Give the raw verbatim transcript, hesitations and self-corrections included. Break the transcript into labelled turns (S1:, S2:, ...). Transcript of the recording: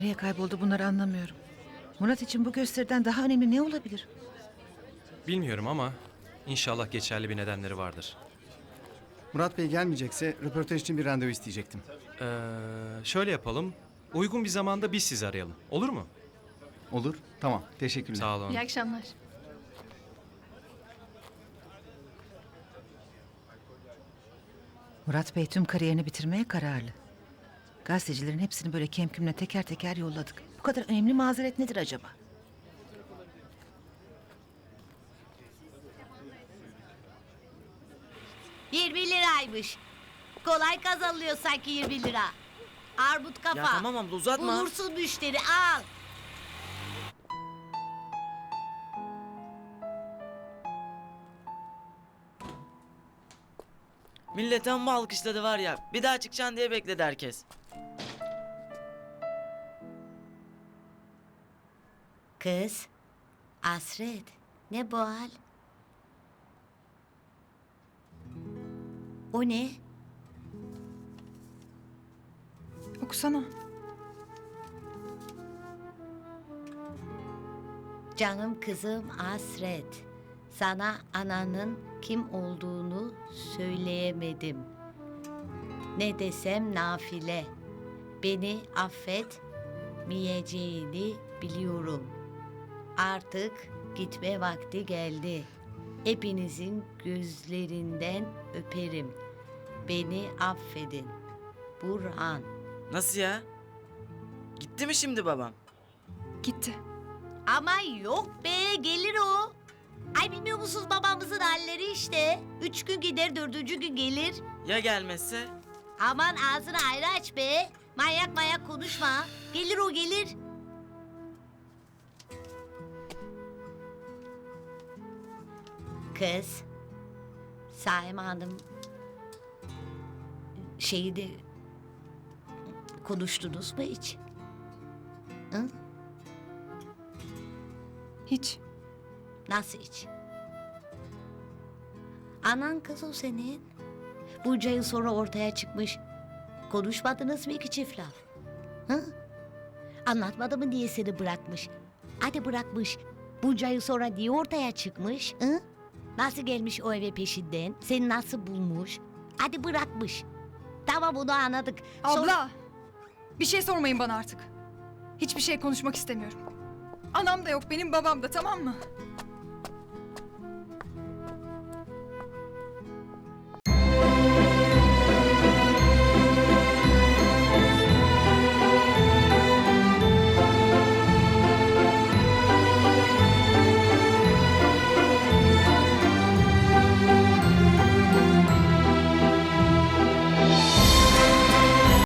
S1: Nereye kayboldu bunları anlamıyorum. Murat için bu gösteriden daha önemli ne olabilir?
S2: Bilmiyorum ama inşallah geçerli bir nedenleri vardır.
S3: Murat Bey gelmeyecekse röportaj için bir randevu isteyecektim.
S2: Ee, şöyle yapalım. Uygun bir zamanda biz sizi arayalım. Olur mu?
S3: Olur. Tamam. Teşekkürler.
S2: Sağ olun.
S4: İyi akşamlar.
S1: Murat Bey tüm kariyerini bitirmeye kararlı. Gazetecilerin hepsini böyle kemkümle teker teker yolladık. Bu kadar önemli mazeret nedir acaba?
S5: yirmi liraymış. Kolay kazanılıyor sanki yirmi lira. Armut kafa.
S6: Ya tamam abla uzatma.
S5: Bulursun müşteri al.
S6: Millet amma alkışladı var ya. Bir daha çıkacaksın diye bekledi herkes.
S5: Kız. Asret. Ne bu hal? O ne?
S4: Okusana.
S5: Canım kızım Asret. Sana ananın kim olduğunu söyleyemedim. Ne desem nafile. Beni affetmeyeceğini biliyorum. Artık gitme vakti geldi. Hepinizin gözlerinden öperim. Beni affedin. Burhan.
S6: Nasıl ya? Gitti mi şimdi babam?
S4: Gitti.
S5: Ama yok be, gelir o. Ay bilmiyor musunuz babamızın halleri işte. Üç gün gider, dördüncü gün gelir.
S6: Ya gelmezse?
S5: Aman ağzını ayrı aç be. Manyak manyak konuşma. Gelir o gelir. Kız. Saime Hanım. Şeyi de konuştunuz mu hiç? Hı?
S4: Hiç.
S5: Nasıl hiç? Anan kız o senin. Bunca yıl sonra ortaya çıkmış. Konuşmadınız mı iki çift laf? Hı? Anlatmadı mı diye seni bırakmış? Hadi bırakmış. Bunca yıl sonra niye ortaya çıkmış? Hı? Nasıl gelmiş o eve peşinden? Seni nasıl bulmuş? Hadi bırakmış. Tamam bunu anladık.
S4: Abla!
S5: Sonra-
S4: Bir şey sormayın bana artık. Hiçbir şey konuşmak istemiyorum. Anam da yok, benim babam da, tamam mı?